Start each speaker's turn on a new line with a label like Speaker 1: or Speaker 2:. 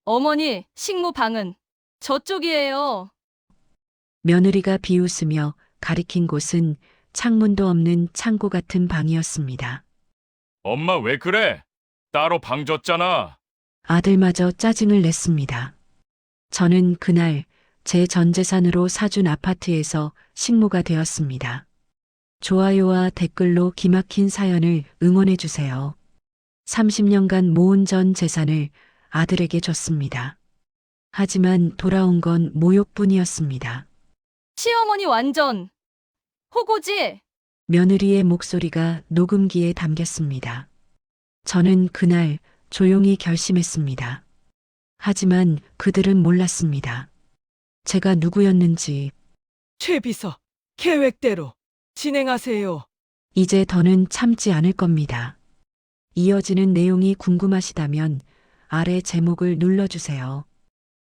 Speaker 1: 어머니, 식무방은 저쪽이에요.
Speaker 2: 며느리가 비웃으며 가리킨 곳은 창문도 없는 창고 같은 방이었습니다.
Speaker 3: 엄마 왜 그래? 따로 방 줬잖아.
Speaker 2: 아들마저 짜증을 냈습니다. 저는 그날 제 전 재산으로 사준 아파트에서 식모가 되었습니다. 좋아요와 댓글로 기막힌 사연을 응원해 주세요. 30년간 모은 전 재산을 아들에게 줬습니다. 하지만 돌아온 건 모욕뿐이었습니다.
Speaker 1: 시어머니 완전 호구지?
Speaker 2: 며느리의 목소리가 녹음기에 담겼습니다. 저는 그날 조용히 결심했습니다. 하지만 그들은 몰랐습니다. 제가 누구였는지.
Speaker 4: 최 비서, 계획대로 진행하세요.
Speaker 2: 이제 더는 참지 않을 겁니다. 이어지는 내용이 궁금하시다면 아래 제목을 눌러주세요.